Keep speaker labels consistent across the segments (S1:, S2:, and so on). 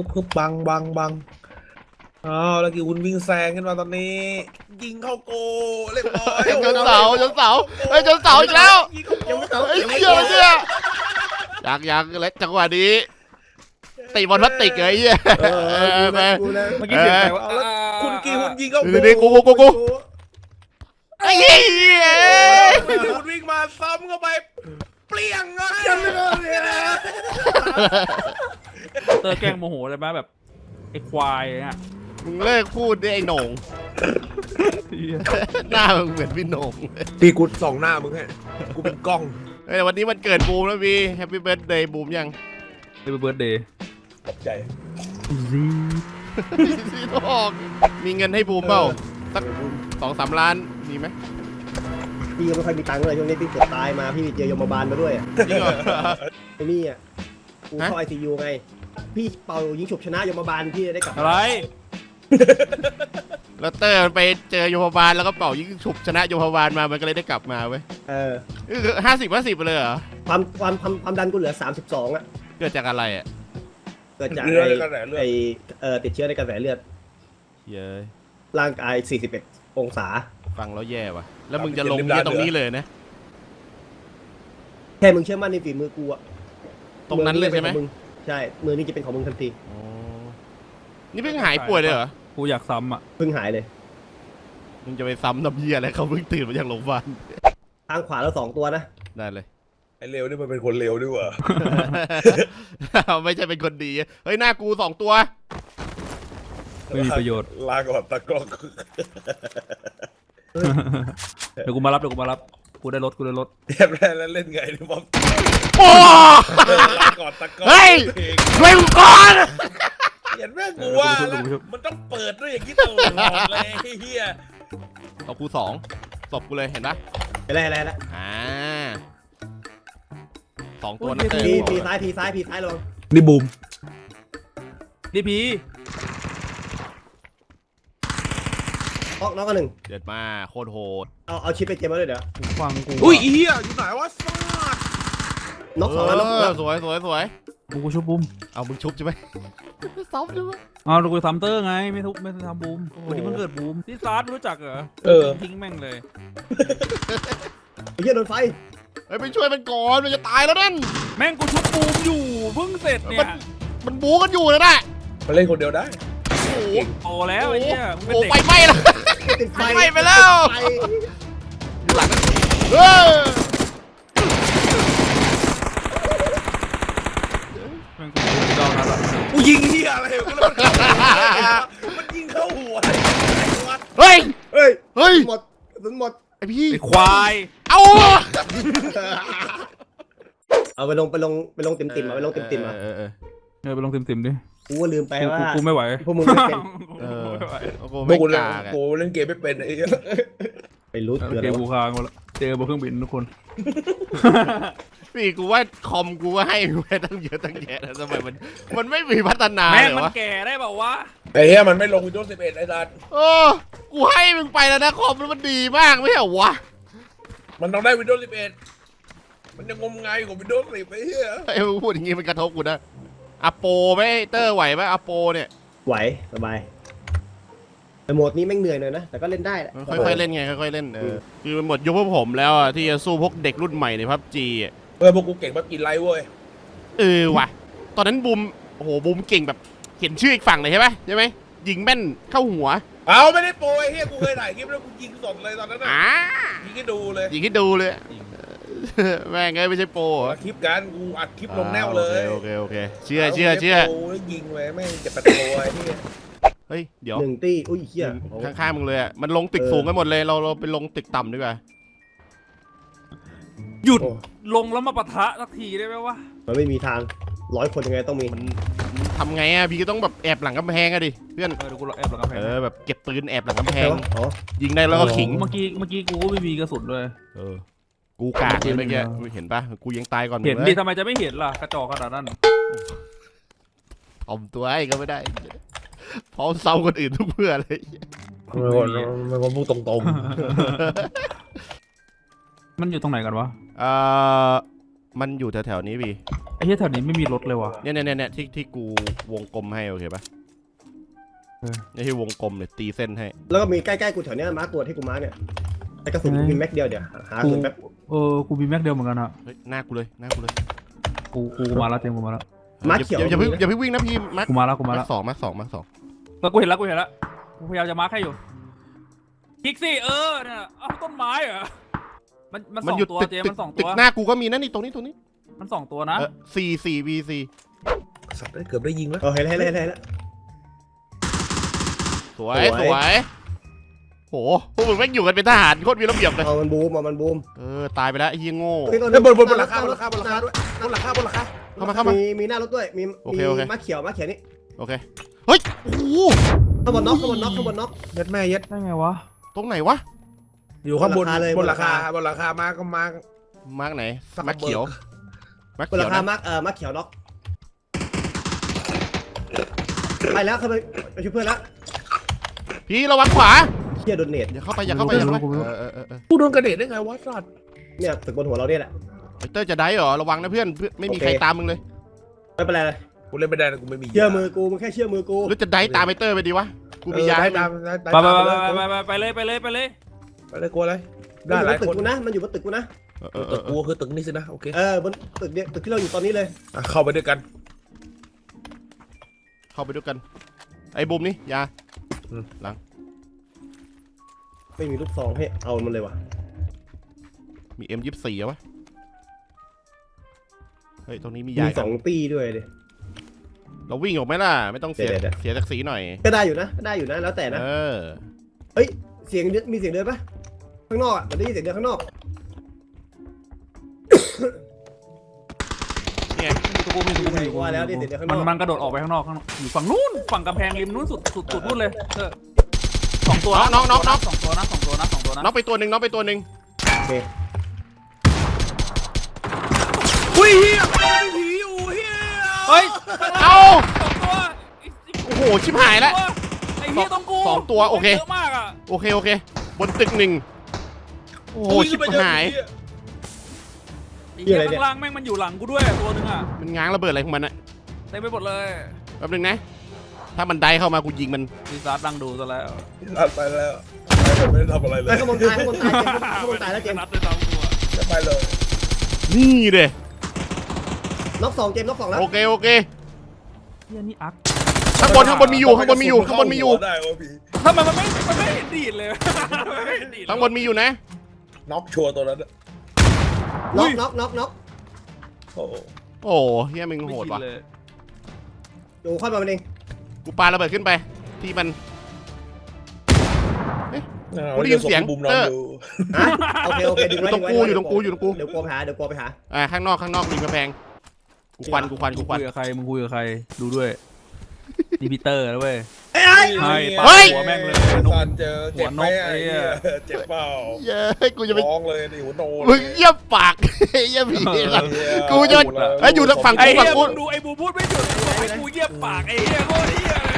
S1: คึบบังอ้าวแล้วกี่คุณวิ่งแซงขึ้นมาตอนนี้ยิงเข้าโกเรียบร้อย
S2: จนเสาเฮ้ยจนเสาอีกแล้ว
S1: ยิงเข้าโก
S2: ไอ้เหี้ยอะไรเนี่ยยังเล็กจังหวะนี้ตีบอลพลาสติกเลยไอ้เหี้ยไป
S3: กูนะ
S1: เมื่อกี้เสียงใครวะเอาแล้วคุณกี่คุณยิงเข้าโก
S2: นี่กูไอ้เหี้ย
S1: คุณวิ่งมาซ้ำเข้าไปเปลี่ยงเลย
S3: เตอร์แกล้งโมโหเลยไหมแบบไอ้ควายเนี่ย
S2: มึงเลิกพูดดิไอ้โหน่งหน้ามึงเหมือนพี่โหน่ง
S1: ตีกูส่องหน้ามึงให้กูเป็นกล้อง
S2: เฮ้ยวันนี้มันเกิดบูมแล้วพี่แฮปปี้เบิร์ดเดย์บูมยัง
S3: เบิร์ดเดย์
S1: ขอบใจ
S2: พี่ทองมีเงินให้บูมเปล่าสัก2-3 ล้านมีไหม
S4: พี่ก็ไม่ค่อยมีตังค์เลยช่วงนี้พี่เกือบตายมาพี่เจอยมบาลมาด้วยอ่ะ
S2: จริงเหรอ
S4: ไอ้นี่อ่ะกูเข้า ICU ไงพี่เป่ายิงฉุบชนะยมบาลพี่ได้กลับ
S3: อะไร
S2: แล้วเตอร์มันไปเจอโยมบาลแล้วก็เป่ายิงฉุบชนะโยมบาลมามันก็เลยได้กลับมาเว้ย 50-50ไปเลยเหรอ
S4: ความดันกูเหลือ32อ่ะ
S2: เกิดจากอะไรอ่ะ
S4: เกิดจาก
S1: เลือดในกระแสเลือด
S4: ไอ้ติดเชื้อในกระแสเลือด
S2: เย้ย
S4: ร่างกาย41องศา
S2: ฟังแล้วแย่ว่ะแล้วมึงจะลงเนี่ยตรงนี้เลยนะ
S4: แค่มึงเชื่อมั่นในฝีมือกูอ่ะ
S2: ตรงนั้นเลยใช่ไหม
S4: อนี่จะป็นของงใช่มือนี่จะเป็นของมึงทันที
S2: อ๋อนี่เพิ่งหายป่วยเลยเหรอ
S3: กูอยากซ้ำอ่ะ
S4: เพิ่งหายเลย
S2: มึงจะไปซ้ำน้ำเยี่ยอะไรเขาเพิ่งตื่นมาจากโรงพยาบาล
S4: ทางขวาแล้ว2ตัวนะ
S2: ได้เลย
S1: ไอ้เลวนี่มันเป็นคนเลวด้วยวะ
S2: ไม่ใช่เป็นคนดีเฮ้ยหน้ากู2 ตัว
S3: ไม่มีประโยชน์
S1: ลาก่อนตะกล้อง
S3: เดี๋ยวกูมารับกูได้รถ
S1: เรียบร้อยแล้วเล่นไงเนี่ยบอม
S2: โอ้
S1: ลาก่อนตะกล้อง
S2: เฮ้ยช่วยกูก่อน
S1: เห็นแม่กูว่าแล้วมันต้องเปิดด้วยอย่างนี้ตลอดเลยเฮีย
S2: เอากู2ศพกูเลยเห็นปะ
S4: อะไร
S2: อ่า2 ตัวนะเตอร์
S4: พีซ้ายลง
S1: นี่บูม
S3: ดีพี
S4: น้องกันหนึ่ง
S2: เดือดมาโคตรโหด
S4: เอาชิปไปเจมมาด้วยเดี๋ยว
S3: ฟังกู
S1: อุ้ยเฮียอยู่ไหนวะสาด
S4: น็อก2แล้วน็อก2แล้ว
S2: สวย
S3: กูชุบบูม
S2: เอามึงชุบใช่ไหมซ้ำใช่ไหม
S3: เอากูทำเตอร์ไงไม่ทำบูมวันนี้มันเกิดบูมที่ซาร์ดรู้จักเหรอทิ้งแม่งเลย
S4: ไอ้เหี้ยโดนไฟ
S2: เฮ้ยไปช่วยมันก่อนมันจะตายแล้วนั่น
S3: แม่งกูชุบบูมอยู่เพิ่งเสร็จเนี่ย
S2: มันบูกันอยู่นะน่ะ
S1: มาเล่นคนเดียวได้
S2: โอ้โห
S3: โตแล้วไอ้เนี่ยมึงเป็น
S2: โอ้
S3: เด็ก
S2: ไฟไหม้แล้ว
S4: ติดไฟ
S2: ไฟไปแล้ว
S4: ไฟ
S2: อยู่หลังนั้นเออ
S3: แม่งกูดองนั้นอะ
S1: กูยิงเฮียอะไรกูแล้วมันยิงเข้าหัว
S2: เฮ้ย
S4: เฮ้ย
S2: เฮ้ย
S4: หมดกระสุนหมด
S2: ไอพี่
S3: ไอ้ควาย
S2: เอา
S4: เอาไปลงติ่มๆเอาไปลงติ่มๆอ่ะ
S3: ไปลงติ่มๆดิ
S4: กูก็ลืมไปว่า
S3: กูไม่ไหว
S4: พวกมึงไม่เป็น
S3: ไม่ไหว
S2: โอ้โห
S1: พว
S2: ไม่
S1: กกูเล่น
S2: กากอะ
S1: กูเล่นเกมไม่เป็นไอ้เหี้ย
S4: ไปรู้
S3: เก
S4: เกิด
S3: มกูค้างหมดแล้วเจอบนเครื่องบินทุกคน
S2: พี่กูว่าคอมกูก็ให้กูไปตั้งเยอะตั้งแยะแล้วทำไมมันไม่มีพัฒนา
S3: แม่ง
S2: เล
S3: มัน
S2: ยวะ
S3: แก่ได้เปล่าวะ
S1: ไอ้เหี้ยมันไม่ลง Windows 11ไอ้สัส
S2: เออกูให้มึงไปแล้วนะคอมมันดีมากไม่ใช่เหรอวะ
S1: มันต้องได้ Windows 11มันยังงมงายกว่า Windows 10ไอ้เหี้ย
S2: ไอ้มึงพูดอย่างงี้มันกระทบกูนะอโปไหมเตอร์ไหวไหมอโปเนี่ย
S4: ไหวสบายแต่โหมดนี้แม่งเหนื่อยหน่อยนะแต่ก็เล่นได้แหละ
S2: ค่อยๆเล่นไงค่อยๆเล่นคือมันหมดยุคพวกผมแล้วอะที่จะสู้พวกเด็กรุ่นใหม่ในพับจีอ่ะ
S1: พวกกูเก่งแบบกินไลท์เว้ย
S2: ว่ะตอนนั้นบูมโอ้โหบูมเก่งแบบเขียนชื่ออีกฝั่งเลยใช่ไหมยิงแม่นเข้าหัว
S1: เอาไม่ได้โปรไอ้เหี้ยกูเคยถ่ายคลิปแล้วกูยิงสดเลยตอนนั้นน่ะยิงให้ดูเลย
S2: ยิงให้ดูเลยแม่งไงไม่ใช่โปร
S1: อัดคลิปกันกูอัดคลิปลงแนวเลย
S2: โอเคเชื่อ
S1: โปรแล้วยิงเลยแม่งจะเป็นโปรไอ้เหี้ย
S2: เฮ้ยเดี๋ยว
S4: หนึ่งตี้อุ้ยเหี้ย
S2: ข้างๆมึงเลยอ่ะมันลงตึกสูงกันหมดเลยเราไปลงตึกต่ำดีกว่า
S3: หยุดลงแล้วมาปะทะสักทีได้ไหมวะ
S4: มันไม่มีทาง100 คนยังไงต้องมี
S2: มันทำไงอ่ะพี่ก็ต้องแบบแอบหลังกำแพงอะดิเพื่อน
S3: เดี๋ยวกูแอบหลังกำแพง
S2: แบบเก็บปืนแอบหลังกำแพง
S4: อ๋อ
S2: ยิงได้แล้วก็ขิง
S3: เมื่อกี้กูก็ไม่มีกระสุนเลย
S2: กูกากเลยเมื่อกี้เห็นปะกูยังตายก่อน
S3: เห็นดิทำไมจะไม่เห็นล่ะกระจอกขนาดนั้น
S2: ถ่อมตัวไอ้ก็ไม่ได้พร้อมเซาคนอื่นทุกเพื่อเลย
S1: มันคนพูดตรง
S3: มันอยู่ตรงไหนกันวะ
S2: มันอยู่แถวๆนี้พี่
S4: แ
S3: อ้เหี้ยแถวนี้ไม่มีรถเลยว่ะ
S2: เนี่ยที่กูวงกลมให้โอเคปะนี่ที่วงกลมเนี่ยตีเส้นให้
S4: แล้วก็มีใกล้ๆกูแถวเนี้ยมาร์กตัวที่กูมาร์กเนี่ยแต่กระสุนกูมีแม็กเดียวเดี๋ยวหากระสุนแป๊บ
S3: กูมีแม็กเดียวเหมือนกันอะ
S2: เฮ้ยหน้ากูเลย
S3: กูมาแล้วเต็มกูมาแล้ว
S4: มาร์กเขียว
S2: อย่าเพิ่งวิ่งนะพี่มาร์ค
S3: กูมาแล้ว
S2: มาร์คสอง
S3: แล้วกูเห็นแล้วกูพยายามจะมาร์คให้อยู่คลิกสิเนี่ยอ้าวต้นไม้เหรอมันสองตัวเจมันสอง
S2: ตึ
S3: ตัว
S2: กหน้ากูก็มีนะนี่ตรงนี้
S3: มันสองตัวนะ
S2: 4 v4
S1: สัตว์ได้เกือบได้ยิงแล้ว
S4: เห็นแล้ว
S2: สวยโหพวกมึงแม่งอยู่กันเป็นทหารโคตรมีระเบียบเลย
S4: เอามันบูม
S2: ตายไปแล้วไอ้เหี้ยโง่
S1: บนหลังคาด้วยบนหลังคา
S2: เข้ามา
S4: มีหน้ารถด้วยมี
S2: โอเค
S4: มาร์กเขียวนี่
S2: โอเคเฮ้ยโอ้โห
S4: ข้างบนน็อก
S1: ยัดแม่ยัด
S3: ได้ไงวะ
S2: ตรงไหนวะ
S1: อยู่ข้างบน
S4: เลย
S1: บนหลังคามาก็มา
S2: มาร์คไหน
S1: สัก
S2: มาร์คเขียวมาร์ค
S4: บน
S2: เขี
S4: รา
S2: ยว
S4: คา
S2: นะ
S4: มาร์กเขียวน็อกไปแล้วเข้าไปช่วยเพื่อนแล้ว
S2: พี่ระวังขวา
S4: เฮียโดนเนต
S2: อย่าเข้าไป
S1: ผู้โดนกระเด็ดได้ไงวะสัตว์
S4: เนี่ยตึกบนหัวเราเนี่ยแหละ
S2: เตอร์จะได้เหรอระวังนะเพื่อนไม่มีใครตามมึงเลย
S4: ไม่เป็นไรเลย
S1: กูเล่นไม่ได้นะกูไม่มี
S4: เชื่อมือกูมึงแค่เชื่อมือกู
S2: หรือจะได้ตามไอเตอร์ไปดีวะกูมียา
S1: ได้
S2: ให้มึ
S1: ตาม
S2: ง
S3: ไปเลย
S1: ไปเลยกลัวเลย
S4: มัน
S1: ได้
S4: อยู่
S1: ห
S4: บ
S1: ลาย
S4: นตึก
S1: คน
S4: กูนะมันอยู่บนตึกกูนะ
S1: ตึกกูคือตึกนี้สินะโอเค
S4: บนตึกเนี่ยตึกที่เราอยู่ตอนนี้เลย
S1: เข้าไปด้วยกัน
S2: เข้าไปด้วยกันไอ้บูมนี่ยา
S4: ไม่มีลูกซองให้เอามันเลยว่ะ
S2: มี M24 เหรอวะเฮ้ยตรงนี้มี
S4: มี
S2: ยา
S4: 2 ตีด้วยดิ
S2: เราวิ่งออกไหมล่ะไม่ต้องเสีย
S4: เดี๋ยว
S2: เสียศักดิ์ศรีหน่อย
S4: ก็ได้อยู่นะแล้วแต่นะ เสียงมีเสียงเดินปะข้างนอกอ่ะมันได้ยินเสียงเดินข้างนอก
S2: เนี่ย
S4: ว่าแล้วได้ยินเสียงเดินข้างนอก
S3: มันกระโดดออกไปข้างนอกอยู่ฝั่งนู้นฝั่งกำแพงริมนู้นสุดนู้นเลยสองตัว
S2: น้อง
S3: สองตัวนะ
S2: น้องไปตัวหนึ่ง
S4: โอเค
S1: อุ้ยเฮียผีอยู่เฮีย
S3: เฮ้ย
S2: เอ้า
S3: สองตัว
S2: โอ้โหชิบหายแล้ว
S3: ไอ้เหี้ยต้องกู
S2: สองตัวโอเค
S3: เยอะมากอ่ะ
S2: โอเคบนตึก1โอ้โหชิบหาย
S3: ไอ้เหี้ยข้างล่างแม่งมันอยู่หลังกูด้วยตัวนึงอ่ะ
S2: มันง้างระเบิดอะไรของมันอะ
S3: เต็มไปหมดเลย
S2: แป๊บนึงนะถ้ามันได้เข้ามากูยิงมัน
S3: ซีซาร์ดังดูซะแล้ว
S1: ลัดไปแล้วไม่ได้ทำอะไรเลย
S4: ข้างบนตายแล้วเจมส์
S3: นัดด้วยตามตัว
S1: จะไปเลย
S2: นี่เด้
S4: น็อก2เจมส์น็อก2แล้ว
S2: โอเค
S3: เหี้ยนี่อัก
S2: ข้างบนมีอยู่
S1: ได้วะพี่
S3: ทำไมมันไม่เห็นดีดเลยไม่เห็นดีด
S2: ข้างบนมีอยู่นะ
S1: น็อกชัวร์ตัวนั้น
S4: น็อก
S1: โอ้
S2: โอ้เฮียมึงโหดว่ะ
S3: เลย
S4: ดูค่อยมามันเอง
S2: กูปาระเบิดขึ้นไปที่มัน
S1: บุมนอนดู
S4: โอเคดึงไว้
S2: อยู่ตรงกู
S4: เดี๋ยวกลัวไปหา
S2: ข้างนอกริมกำแพงกูควัน
S3: คุยกับใครมึงคุยกับใครดูด้วยนี่พีเตอร์นะเว้ย
S1: เฮ้ย
S3: หัวแม่งเลย
S1: สันเจอเจ็บไหมเจ็บเปล่า
S2: เย้กูจะไป
S1: ร้องเลยดิหัวโน
S2: มึงเยี่ยมปากเยี่ยมผีกูจะไอ้อยู่ทางฝั่ง
S3: ไอ้
S2: กู
S3: เหี้
S2: ฝั่งกู
S3: ยมึงดูไอ้บูพูดไม่หยุดไอ้กูเยี่ยมปากไอ้เหี้ยโคตรเหี้ยเลย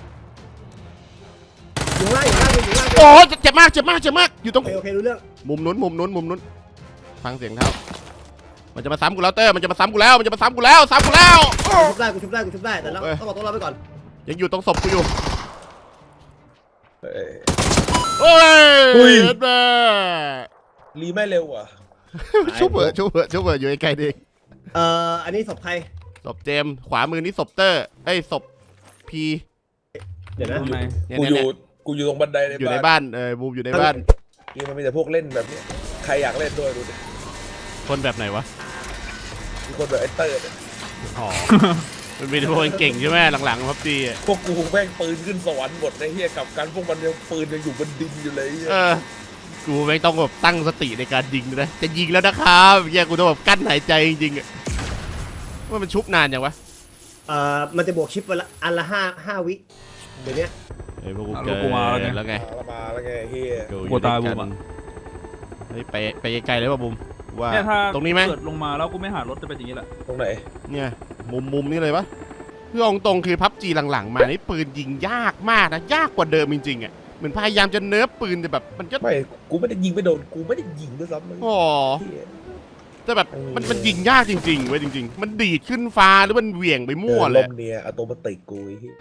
S4: อยู่ล่าง
S2: โอ้เจ็บมากอยู่ตรง
S4: โอเครู้เรื่อง
S2: มุมนู้นฟังเสียงเท้ามันจะมาซ้ำกูแล้วเตอร์มันจะมาซ้ำกูแล้วซ้ำกูแล้ว
S4: ชุบได้แต่เราต้องบอกตัวเราไปก่อน
S2: ยังอยู่ตรงศพกูอยู่
S1: เฮ้ย
S2: โอ้ยแม่
S1: รีไม่เร็วอ่ะ
S2: ชุบเบออยู่ไกลๆเอง
S4: อันนี้ศพใคร
S2: ศพเจมขวามือนี่ศพเตอร์ไอ้ศพพี
S4: เดี๋ยวนะ
S3: ตรงไหน
S1: กูอยู่ตรงบันได
S2: อยู่ในบ้านบูมอยู่ในบ้าน
S1: นี่มันมีแต่พวกเล่นแบบนี้ใครอยากเล่นด้วยดูดิ
S2: คนแบบไหนวะ
S1: มีคนแบบไอ้เตอร์
S2: อ๋อมันมีแต่พวกเก่งใช่ไหมหลังๆพับจี
S1: พวกกูแม่งปืนขึ้นสวรรค์หมดในเฮียกับกันพวกมันยังปืนยังอยู่บนดินอยู่เลย
S2: กูไม่ต้องแบบตั้งสติในการยิงนะจะยิงแล้วนะครับเฮียกูต้องแบบกั้นหายใจจริงๆว่ามันชุบนานยังวะ
S4: มันจะบวกชิปวันละอันละ5 วิเดี๋ยวนี้
S2: เฮ้ยพวกกูเกินแล้วไง
S1: มาแล้วไงเฮีย
S3: กลัวตายบูมอ่ะ
S2: เฮ้ยไปไกลเลยป่ะบูมว่า
S3: เนี่ยถ้า
S2: ตรงนี้ไหม
S3: เกิดลงมาแล้วกูไม่หารถจะเป็นอย่างนี้แหละ
S1: ตรงไหน
S2: เนี่ยมุมนี่เลยปะเพื่อตรงคือพับจีหลังๆมานี่ปืนยิงยากมากนะยากกว่าเดิมจริงๆอ่ะเหมือนพยายามจะเนิร์ฟปืนแต่แบบมันก็
S1: ไม่กูไม่ได้ยิงไม่โดนกูไม่ได้ยิงด้วยซ้ำ
S2: อ๋อแต่แบบมันยิงยากจริงๆเว้ยจริงๆมันดีดขึ้นฟ้าหรือมันเหวี่ยงไปมั่ว
S1: ล
S2: เลย
S1: มเนี่ยอัตโนมัติกูไอ้เหี้ย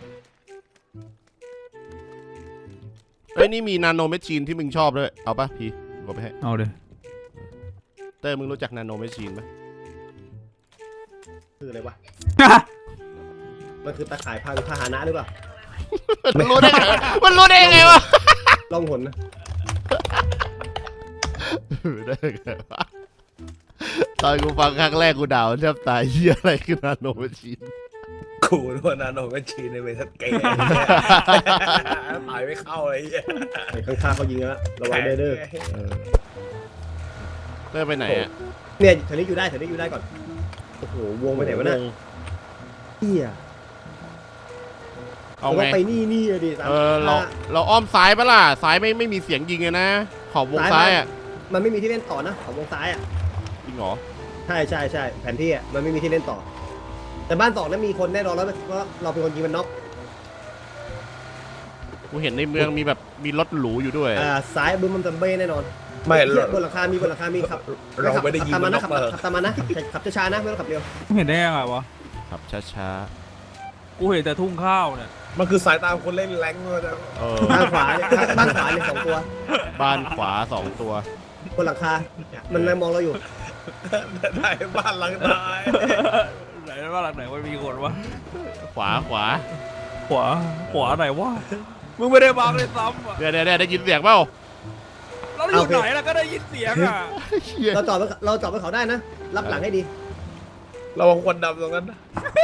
S2: เอ้ยนี่มีนาโนแมชชีนที่มึงชอบด้วยเอาปะพี่กูไปให้
S3: เอาเลย
S2: เต้ยมึงรู้จักนาโนแมชชีนไหม
S4: คืออะไรวะมันคือตาข่ายพาหนะหรือเปล่า
S2: มันรู้ได้ไงมันรู้ได้ยังไงวะ
S4: ล่องหนนะ
S2: ได้ไงวะตอนกูฟังครั้งแรกกูด่าแทบตายเหี้ยอะไรคือนาโนแมชชีน
S1: กูรู้ว่านาโนแมชชีนในเวทัสเกย์ตายไม่เข้าเลยไอ้เหี้ย
S4: ไอ้ข้างๆเขายิงแล้วระวังเด้อ
S2: เต้ยไปไหนอ่ะ
S4: เนี่ยแถวนี้อยู่ได้ก่อนโอ้โหวงไปไหนวะเนี่ยเฮีย
S2: เอา
S4: เรา
S2: ไง
S4: ไปนี่อะดิ
S2: เราอ้อมซ้ายปะล่ะซ้ายไม่มีเสียงยิงเลยนะขอบวงซ้ายอ่ะ
S4: มันไม่มีที่เล่นต่อนะของวงซ้ายอ่ะ
S2: จริงเหรอ
S4: ใช่แผนที่อ่ะมันไม่มีที่เล่นต่อ แต่บ้านสองนั้นมีคนแน่นอนแล้วเพราะเราเป็นคนยิงมันน็อก
S2: กูเห็นในเมืองมีแบบมีรถหรูอยู่ด้วย
S4: ซ้ายบึ้มมันจะเบ้แน่นอน
S1: ไม่
S4: เหี้ยบนหลังคามีครับ
S1: เราไม่ได้ยิง
S4: ขับ
S1: มัน
S4: นะ
S1: น็อก
S4: ขับ
S1: เลย
S4: ตามมานะขับช้าๆนะไม่ต้องขับเร็ว
S3: มึงเห็นได้ยังไงวะ
S2: ขับช้า
S3: กูเห็นแต่ทุ่งข้าวเนี่ย
S1: มันคือสายตาคนเล่นแรงเลยนะ
S2: ๆเออ
S4: บ้านขวาเนี่ยบ้านขวาเนี่ย2 ตัว
S2: บ้านขวา2 ตัว
S4: บนหลังคา มันมองเราอยู่
S1: ได้บ้านหลังตาย
S3: ไหนว่าหลังไหนว่ามีคนวะ
S2: ขวา
S3: ขวาไหนวะมึงไม่ได้บังเลยซ้ำอ่ะ
S2: เดี๋ยวได้ยินเสียงเปล่า
S3: เราอยู่ไหนล่ะก็ได้ยินเสียงอ่ะ
S2: เหี้ย
S4: เราจอดบนเขาได้นะ รับหลังให้ดี
S1: ระวังควันดำตรงนั้นนะ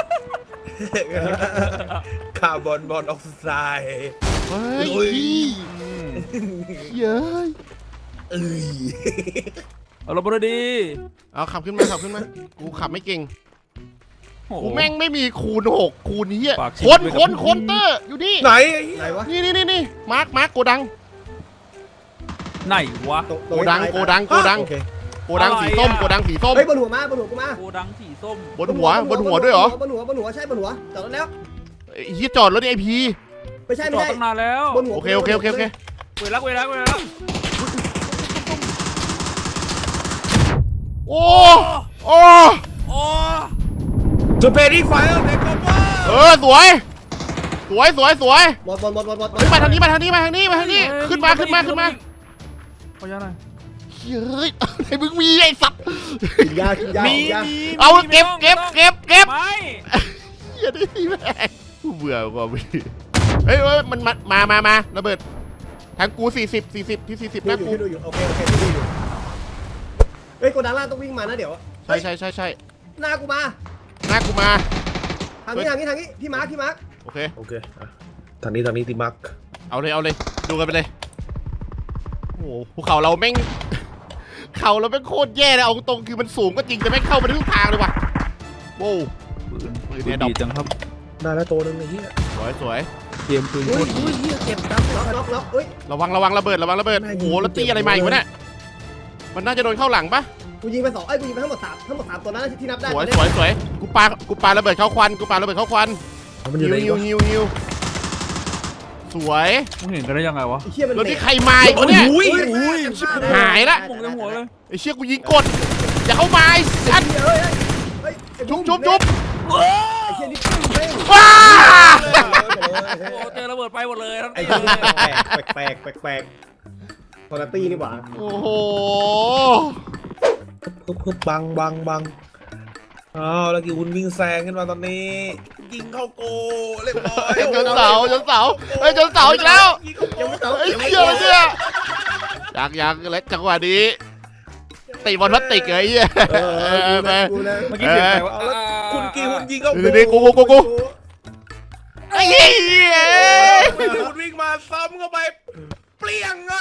S1: คาร์บอนมอนอกไซด์
S2: เฮ้ย
S1: อุ้ย
S2: เย้ย
S1: เอ้ย
S3: เอาเราไปเลยดี
S2: เอาขับขึ้นมากูขับไม่เก่ง
S3: โอ้โห
S2: กูแม่งไม่มีคูณ6คูณนี้
S3: ฝากชี
S2: ค
S3: วิ
S2: น
S3: ตไว้
S2: ค
S3: กับ
S2: น
S3: พี่
S2: คนเตอร์อยู่นี่
S1: ไหนไอ้เหี้ย
S4: ไหนวะ
S2: นี่มาร์คโกดัง
S3: ไหนวะ
S2: โกดัง
S4: โอเค
S2: โกดังสีส้ม
S3: อะไรอะ
S2: โกดังสีส้ม
S4: เฮ้ยบนหัวกูมา
S3: โกดังสีส้ม
S2: บนหัวด้วยเหรอบ
S4: นหัวใช่บนหัวจอดรถแล้ว
S2: ไอ้เหี้ยจอดรถไอพี
S4: ไม่ใช่
S3: จอดตั้งนานแล้ว
S4: บนหัว
S2: โอเค
S3: เวลา
S2: โอ้โอ้
S3: โอ้
S1: จะเพดี้ไฟแล้วเด็กก็ว่า
S2: สวย
S4: หมด
S2: เฮ้ยมาทางนี้ขึ้นมา
S3: ขออนุญาตหน่อย
S2: เฮ้ยไอ้มึงมีไอ้สัตว์
S4: กินยา
S2: เอาเก็บ
S3: ไม่
S2: เหี้ยได้แม่งกูเบื่อกว่าพี่เฮ้ยมันมาระเบิดทางกู40ที่40นะกู
S4: ดูอยู่โอเคที่ดูอยู่เฮ้ยโกดังล่างต้องวิ่งมานะเดี๋ยว
S2: ใช่
S4: หน้ากูมา
S2: หน้ากูมา
S4: ทางนี้พี่มาร์ค
S2: โอเค
S1: โอเคอ่ะทางนี้ติมัก
S2: เอาเลยดูกันไปเลยโอ้โหภูเขาเราแม่งเขาเราแม่งโคตรแย่เลยเอาตรงคือมันสูงก็จริงแต่แม่งเข้าไปทุกทางเลยว่ะโว้ว
S3: ปืน
S2: เนี่ยดอก
S3: ดีจังครับ
S1: ได้แล้วตัวนึงไอ้เหี้ย
S2: สวย
S3: เกมปืนโค
S1: อุ้ย
S3: ตร
S1: อุ้ยเหี้ยเจ็บจัง
S4: ล็อกเฮ้ย
S2: ระวังระเบิดโอ้โหแล้วตีอะไรมาอีกวะเนี่ยมันน่าจะโดนเข้าหลังปะ
S4: กูยิงไป2กูยิงไปทั้งหมด3ตัวนั้นที่นับได้
S2: สวยกูปาระเบิดเข้าควัน
S1: มันอยู่ใน
S2: ฮิวสวย
S3: มึงเห็นกันได้ยังไงวะ
S4: ไอ้เชี่ยมัน
S2: รถที่ใครมาอีกวะเนี่ย
S1: อุ้ย
S2: หายละ
S3: มุงในหัวเลย
S2: ไอ้เชี่ยกูยิงกดอย่าเข้ามาไอ้สัตว์
S4: เฮ้ย
S2: จุ๊บ
S4: ไอ้เชี่ยนี่เร่ง
S2: ว้า
S3: โอ้เจอระเบิดไปหมดเลยทั้ง
S4: ไอ้
S3: ตี
S4: เชี่ย
S3: เลย
S4: แปลกคอนาตี้นี่หว่า
S2: โอ้โห
S1: ฮึบบังอ้าวแล้วกี่วุ้นวิ่งแซงขึ้นมาตอนนี้ ยิงเข้าโกเรียบร้อย
S2: จนเสาเฮ้ยจนเสาอีกแล้ว
S4: ยังไม่เสา
S2: ไอ้เชี่ยเนี่ยยังและจังหวะนี้ตีบอลพลาสติกเลยไอ้เหี้ย
S4: กูนะ
S3: เมื่อกี้เสียงใครวะ
S1: เอาแล้วคุณกี่วุ้นยิงเข้าโก
S2: นี่กูไอ้เหี้ย
S1: วุ้นวิ่งมาซ้ำเข้าไปเปลี่ยงเลย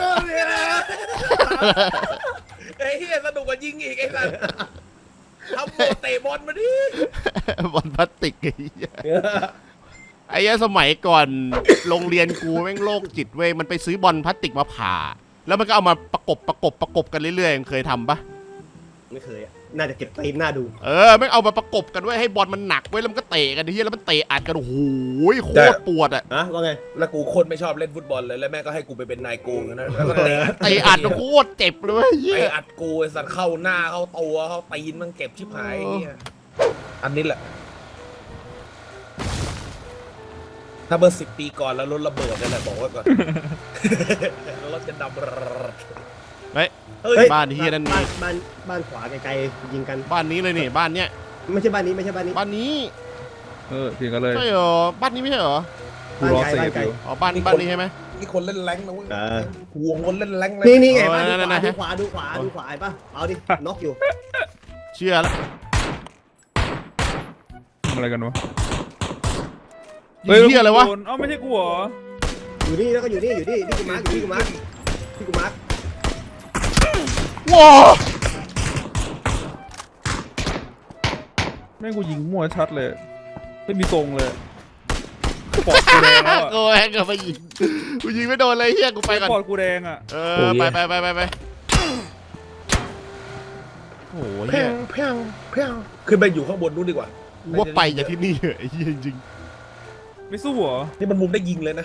S1: ไอ้เหี้ยสนุกกว่ายิงอีกไอ้สัสทำโมเตะบอลมาดิ
S2: บอลพลาสติกไอ้เหี้ยไอ้เหี้ยสมัยก่อนโรงเรียนกูแม่งโรคจิตเว้ยมันไปซื้อบอลพลาสติกมาผ่าแล้วมันก็เอามาประกบกันเรื่อยๆเคยทำปะ
S4: ไม่เคยอะน่าจะเก็บตีนหน้าดู
S2: ไม่เอามาประกบกันไว้ให้บอลมันหนักไว้แล้วมันก็เตะกันทีแล้วมันเตะอัดกันโอ้โหโคตรปวดอ่ะ
S4: ว่าไง
S1: แล้วกูคนไม่ชอบเล่นฟุตบอลเลยแล้วแม่ก็ให้กูไปเป็นนายโกงนะแล้วก็เตะ
S2: เตะอัดโคตรเจ็บเลยเหี้
S1: ไอ้
S2: ย
S1: อัดกูไอ้สัตว์เข้าหน้าเข้าตัวเข้าตีนมันเก็บชิบหายไอ้เหี้ยอันนี้แหละ ถ้าเมื่อ10 ปีก่อนแล้วรถระเบิดนั่นแหละบอกไว้ก่อน รถจะดำ
S2: เฮ้ย
S1: เฮ้ย
S2: บ้านที่นั่นมี
S4: บ้านขวาไกลๆยิงกัน
S2: บ้านนี้เลยนี่บ้านเนี้ย
S4: ไม่ใช่บ้านนี้ไม่ใช่บ้านนี้
S2: บ้านนี้
S3: เถียงกันเลย
S2: ใช่เหรอบ้านนี้ไม่ใช่เหรอ
S3: กูรอเซ
S4: บ้าน
S3: ฟ
S4: ไกล
S3: อยู่
S2: อ๋อบ้านนี้ใช่ไหม
S1: นี่คนเล่นแรงค์นะเว้ย
S4: เออ
S1: ห่วงคนเล่นแรงค์นะ
S4: นี่ไงบ้าน
S2: นั่น
S4: ดูขวาดูขวาเห็นปะเอาดิน็อกอยู่
S2: เชื่อแล้ว
S3: ทำอะไรกันวะ
S2: ยิงเหี้ยอะไรวะ
S3: โดนเอ้าไม่ใช่กูเหรอ
S4: อยู่นี่แล้วก็อยู่นี่ที่กูมาร์คที่กูมาร์ค
S2: ว้า
S3: แม่งกูยิงมั่วชัดเลยไม่มีทรงเลยปอดกูแดงแล้ว
S2: โอ้ยก็ไปยิงกูยิงไม่โดนเลยเฮียกูไปก่อน
S3: ปอดกูแดงอ่ะ
S2: ไปโอ้ย
S1: เพียงเพียงเพียงขึ้นไปอยู่ข้างบนนู้นดีกว่า
S2: ว่าไปจากที่นี่เหอะไอ้เหี้ยจริง
S3: ไม่สู้เหรอ
S1: นี่มันมุมได้ยิงเลยนะ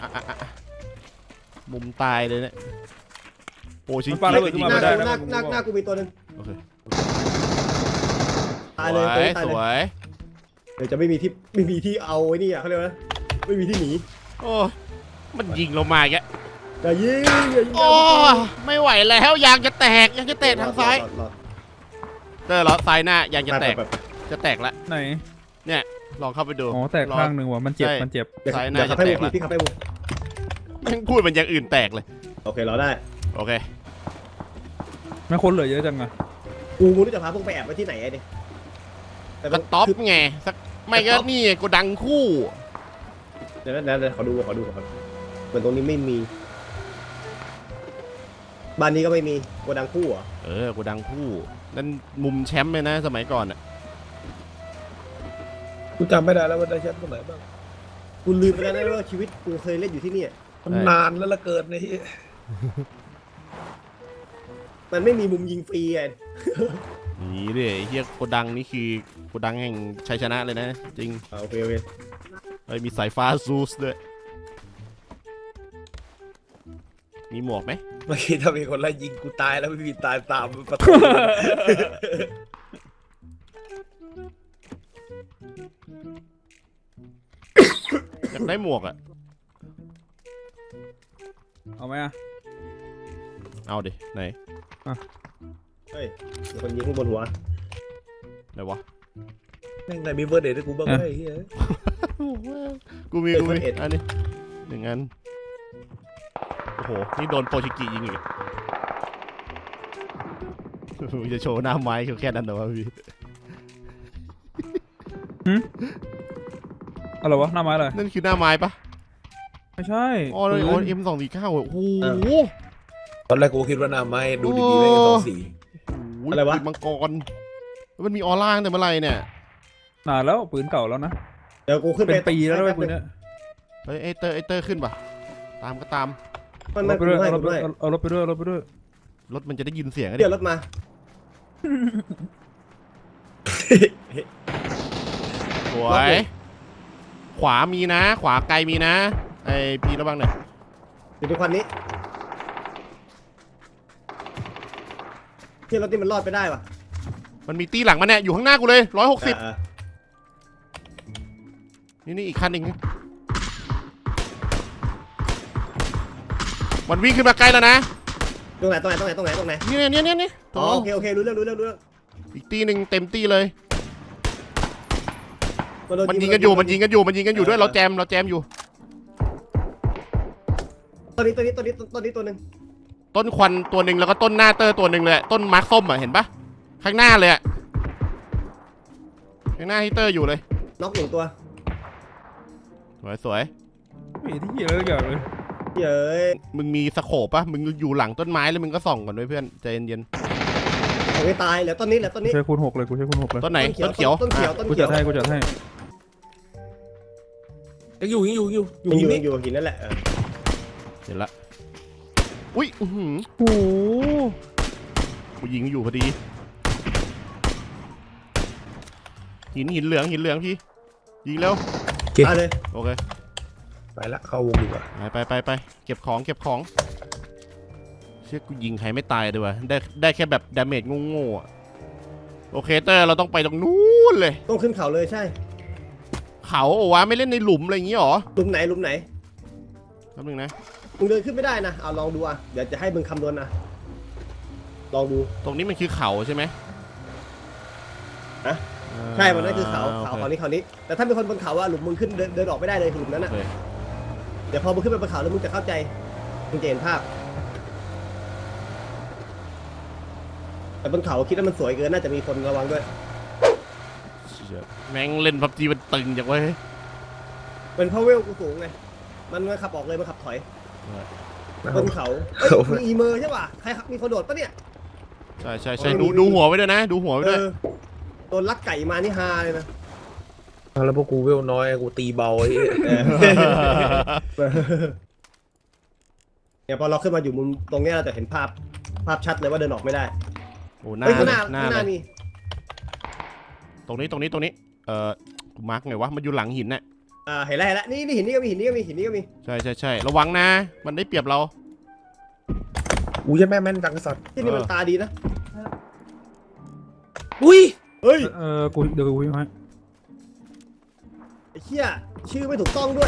S2: มุมตายเลยเนี่ยโอ้ชิง
S3: มันปาระเบิดขึ้นมาไม่ได้นะ
S4: หน้ากูมีตัวนึง
S2: โอเค
S4: ตายเลยตัวนี้ตาย
S2: ส
S4: เล
S2: วย ย
S4: เดี๋ยวจะไม่มีที่เอาไอ้นี่อ่ะเขาเรียกว่าไม่มีที่หนี
S2: โอ้มันยิงเรามาแก
S4: อย่ายิง
S2: โอ้ไม่ไหวแล้วยางจะแตกทางซ้ายเตอร์ล้อซ้ายหน้ายางจะแตกแล้ว
S3: ไหน
S2: เนี่ยลองเข้าไปดู
S3: อ๋อแตกข้างหนึ่งว่ะมันเจ็บมันเจ็บ
S2: ซ้ายห
S4: เดี๋
S2: น้า
S4: ยวขั
S2: จะ
S4: บให้
S2: แต
S4: บุ
S2: ก
S4: ก
S2: แล้ว
S4: พี่ขับให้บุก
S2: แม่งพูดมันอย่างอื่นแตกเลย
S4: โอเคเราได้
S2: โอเค
S3: ไม่คนเหลือเยอะจังอะ
S4: กูรู้จะพาพวกไปแอบไว้ที่ไหนไอ้เนี่ย
S2: กระต๊อบไงสักไม่ก็นี่กูดังคู่
S4: เดี๋ยวขอดูก่อนเหมือนตรงนี้ไม่มีบ้านนี้ก็ไม่มีโกดังคู่เหรอ
S2: กูดังคู่นั่นมุมแชมป์เลยนะสมัยก่อนอ่ะ
S1: กูจำไม่ได้แล้วว่าได้แชมป์ตรงไหนบ้าง
S4: กูลืมไปแล้วนะว่าชีวิตกูเคยเล่นอยู่ที่นี่
S1: มันนานแล้วละเกินในที่
S4: มันไม่มีมุมยิงฟรีไง
S2: นี่ดิไอ้เฮียโกดังนี่คือโกดังแห่งชัยชนะเลยนะ จริง
S4: โอเค
S2: มีสายฟ้าซูสด้วยมีหมวกไหม
S1: เมื่อกี้ถ้ามีคนไล่ยิงกูตายแล้วไม่มีตายตามประตู
S2: อยากได้หมวกอ่ะ
S3: เอาไหมอะ
S2: เอาดิไหน
S4: เฮ้ยมีคนยิงข้างบนหัว
S2: ไหนวะ
S1: แม่งไหนมีเบอร์เดทให้กูบ้างไหมไอ้เหี้ย
S2: กูมีอันนี้หนึ่งอันโอ้โหนี่โดนโปรชิกิยิงอีกจะโชว์หน้าไม้แค่นั้นเหรอวะพี่
S3: อะไรวะหน้าไม้อะไร
S2: นั่นคือหน้าไม้ปะ
S3: ไม่ใช่
S2: อ๋อเลยM249โอ้โห
S1: ตอนแรกกูคิดว่าหน้าไม้ดูดีๆไม่ง2 สี
S4: อะไรวะ
S2: ปืนมังกรมันมีออร่าตั้งแต่เมื่อไหร่เนี่ย
S3: นานแล้วปืนเก่าแล้วนะ
S4: เดี๋ยวกูขึ้น
S3: เป็นปีแล้วด้วยปืนเนี้ย
S2: เฮ้ยไอเตอร์ขึ้นปะตามก็ตาม
S4: มัน
S3: รถไปด้วย
S4: ไม่
S3: เอารถไปด้วยเอารถไปด้วยเอารถไปด้วย
S2: รถมันจะได้ยินเสียงอะดิ
S4: เดี๋ยวรถมา
S2: สวยขวามีนะ ขวาไกลมีนะไอพีระวังหน่อย
S4: อยู่ในควันนี้ที่รถนี่มันรอดไปได้ปะ
S2: มันมีตีหลังมันเนี่ยอยู่ข้างหน้ากูเลย160นี่อีกคันหนึ่งมันวิ่งขึ้นมาไกลแล้วนะ
S4: ตรงไหน
S2: นี่
S4: อ๋อโอเครู้เรื่อง
S2: อีกตีหนึ่งเต็มตีเลย
S4: โด
S2: มันยิงกันอยู่ด้วยเราแจมอยู่
S4: ตัวนี้ตัวหนึ่ง
S2: ต้นควันตัวหนึ่งแล้วก็ต้นหน้าเตอร์ตัวหนึ่งเลยต้นมาร์คส้มอ่ะเห็นปะข้างหน้าเลยอ่ะข้างหน้าที่เตอร์อยู่เลย
S4: น็อก1 ตัว
S2: สวย
S3: ไม่ที่เหี้ยอะไรอย่างเลย
S4: เย้ย
S2: มึงมีสโคปปะมึงอยู่หลังต้นไม้แล้วมึงก็ส่องก่อนด้วยเพื่อนใจเย็น
S4: ผมไม่ตายเหลือต้นนี้
S3: กูใช้คูณ 6เลยกูใช้คูณ 6เลย
S2: ๆต้นไหนต้นเขียว
S4: ต้นเขียว
S3: กูจัดให้กูจัดให้
S1: ยังอยู่
S4: อยู่
S1: นี่
S4: หินนั่นแหละ
S2: เห็นละอุ้ย
S3: โอ้โห
S2: กูยิงอยู่พอดีหินเหลืองพี่ยิงเร็ว
S4: เอาเลย
S2: โอเค
S1: ไปละเข้าวงดีกว่า
S2: ไปเก็บของเชื่อกูยิงใครไม่ตายด้วยวะได้แค่แบบดาเมจโง่ๆอะโอเคเตอร์เราต้องไปตรงนู้นเลย
S4: ต้องขึ้นเขาเลยใช่
S2: เขาโอ้วะไม่เล่นในหลุมอะไรอย่างงี้หรอ
S4: หลุมไหนหลุมไหน
S2: แป๊บนึงนะ
S4: มึงเดินขึ้นไม่ได้นะเอาลองดูอ่ะเดี๋ยวจะให้มึงคำนวณนะลองดู
S2: ตรงนี้มันคือเขาใช่ไหม
S4: อะใช่มันนั่นคือเขานี้แต่ถ้าเป็นคนบนเขาอะหลุมมึงขึ้นเดินออกไม่ได้เลยหลุมนั้นอะ
S2: โอเค
S4: เดี๋ยวพอมึงขึ้นไปบนเขาแล้วมึงจะเข้าใจมึงจะเห็นภาพแต่บนเขาคิดว่ามันสวยเกินน่าจะมีคนระวังด้วย
S2: เชี่ยแม่งเล่นพับจีมันตึงจังเว้ย
S4: เป็นเพราะเวลกูสูงไงมันขับออกเลยมันขับถอยบนเขามีอีเมอร์ใช่ป่ะใครมีคนโดดปะเนี่ย
S2: ใช่ดูหัวไว้ด้วยนะ ดูหัวไว้ด้วย
S4: โดนลักไก่มานี่ฮาเลยนะ
S1: แล้วพวกกูเวลน้อยกูตีเบาไอ้เหี้ย
S4: เนี่ยพอเราขึ้นมาอยู่มุมตรงเนี้ยเราจะเห็นภาพชัดเลยว่าเดินออกไม่ได้
S2: โอ้หน้า
S4: เฮ้ยข้างห
S2: เล
S4: น้าย
S2: หน้า
S4: ข้างห
S2: เล
S4: น้าย มี
S2: ตรงนี้กูมาร์กไงวะมันอยู่หลังหินน่ะ
S4: เห็นแล้วนี่หินนี่ก็มีหินนี่ก็มี
S2: ใช่ระวังนะ มันได้เปรียบเรา
S1: กูจะแม่แม่นจังไอ้สัตว์
S4: ที่นี่มันตาดีนะ
S1: อุ้ย
S4: เฮ้ย
S3: กูเดี๋ยวกูวิ่งให้
S4: ไอ้เหี้ยชื่อไม่ถูกต้องด้วย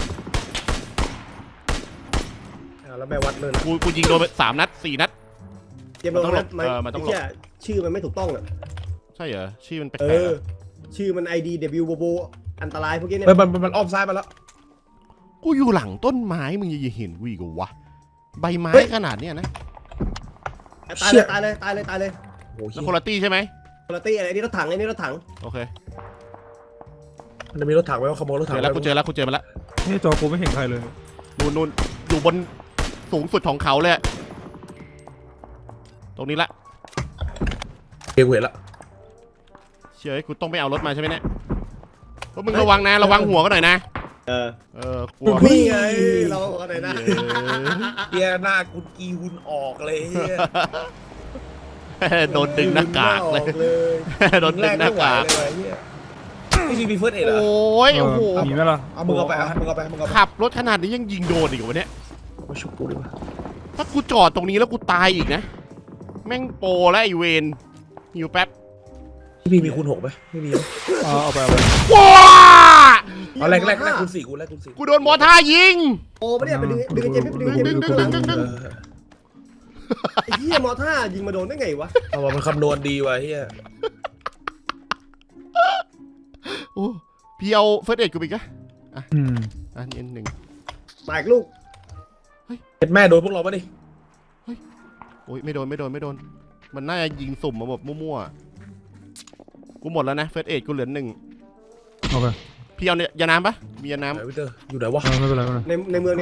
S1: แล้วแม่วัดเลยนะ
S2: กูยิงโดนไป3 นัด 4 นัด
S4: เตรียมลงนะ
S2: มันต้องหลบ
S4: ไอ้เหี้ยชื่อมันไม่ถูกต้องอ่ะ
S2: ใช่เหรอชื่อมันแปล
S4: เอก
S2: ๆ
S4: อ
S2: อะ
S4: ชื่อมัน IDW โบอันตรายพวกนี้เนี่ย
S1: เฮ้ยมันอ้อมซ้ายมาแล้ว
S2: กูอยู่หลังต้นไม้มึงยังเห็นกูอีกเหรอวะใบไม้ขนาดเนี้ยนะ
S4: ตายเลย
S1: โอ้โห
S2: แล้วคนละตี้ใช่ไหม
S4: คุณตี้อะไรนี่รถถัง
S2: โอเค
S1: มันจะมีรถถังไว้ว่าขโมยรถถัง
S2: กูเจอแล้วมันละ
S3: นี่จอกูไม่เห็นใครเลย
S2: นู่นอยู่บนสูงสุดของเขาเลยอะตรงนี้ละ
S1: เกี่ยวเวทละ
S2: เชื่อกูต้องไปเอารถมาใช่ไหมเนี่ยพวกมึงระวังนะระวังหัวกันหน่อยนะ กลัว
S4: นี่ไงเราอะไรนะ
S1: เฮียหน้ากูกีหุ่นออกเลยเฮีย
S2: โดนดึงหน้ากากเลย โดนดึงหน้ากาก
S1: เลยเฮียไม่มีเฟิร์สเอ็ดเหรอ
S2: โอ้ยโอ้โห
S3: มีไหมล่ะ
S1: เอามึงเอาไปมึงเอาไป
S2: ขับรถขนาดนี้ยังยิงโดนอีกวะเนี่ย
S1: มาชุบกูดีกว่า
S2: ถ้ากูจอดตรงนี้แล้วกูตายอีกนะแม่งโปรแล้วไอเวนหิวแป๊บ
S1: พี่มีคูณ6ไหมไม่มี
S3: เอาไป
S2: ว้า
S1: เอาแรกคูณ4กูแรกคูณ4
S2: กูโดนมอท่ายิง
S4: โอ้ไม่ได้ไปดึงเจมส์ดึงเจมส์ไอ้เหี้ยมอท่ายิงมาโดนได้ไงวะ
S1: เอาว่ามันคำนวณดีว่ะเฮีย
S2: โอ้พี่เอาเฟิร์สเอ็ดกูไปอีกอะ
S3: อืม
S2: อันนี้หนึ่ง
S4: มาอีกลูก
S1: เห็นแม่โดนพวกเราปะดิ
S2: โอ้ยไม่โดนมันน่าจะยิงสุ่มมาแบบมั่วๆกูหมดแล้วนะเฟิร์สเอ็ดกูเหลือ1
S3: เอาไป
S2: พี่เอาเนี่ยยาน้ำปะมียาน้
S1: ไหนวิเตอร์อยู่ไหนวะ
S3: ไม่เป็นไรไม่เป็นไร
S4: ในเมือง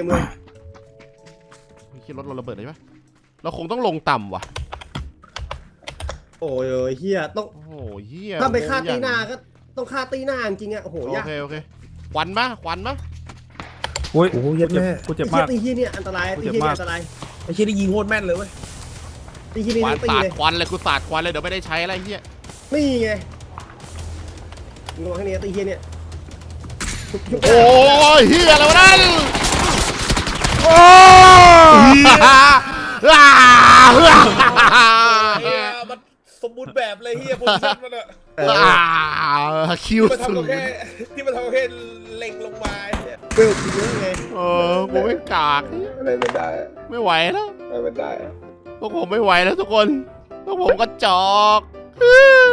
S2: ำคิดรถเราระเบิดเลยปะเราคงต้องลงต่ำว่ะ
S4: โอ้ยเหี้ยต้อง
S2: โอ้โหเฮีย
S4: ถ้าไปฆ่าตีหน้าก็ต้องฆ่าตีหน้าจริงๆอ่ะโอ้โหยาก
S2: โอเคควันปะ
S3: โอ้ย
S1: โอ้โหเย็ดแม่
S3: กูเจ็บ
S4: ไอ้
S3: มาก
S4: ตีเหี้ยเนี่ยอันตรายตีเหี้ยอันตราย
S1: ไอ้เชี่ยนี่ยิงโคตรแม่นเลยเว้ย
S4: ตีเหี้ยนี่
S2: ควัน
S4: ตี
S2: สาด
S4: เลย
S2: ควันเลยกูสาดควันเลยเดี๋ยวไม่ได้ใช้อะไรเฮีย
S4: นี่ไงงงข้างนี้ตีเหี้ยเนี่ย
S2: โอ้ยเฮียอะไรวะนั่นโอ้ย
S1: มันสมบูรณ์แบบเลยเฮียโพซิชั่นมันอะ
S2: คิว
S1: ที่มัน
S2: สู
S1: ทำ
S2: ง
S1: แค่ที่มันทำแค่เล็งลงมาเนี่ย
S4: เวลตีเยอะไง
S2: กูไม่กาก
S1: อะไรไม่ได้
S2: ไม่ไหวแล้ว
S1: อะไรไม่ได้
S2: พวกผมไม่ไหวแล้วทุกคนพวกผมก็จอก
S1: ไ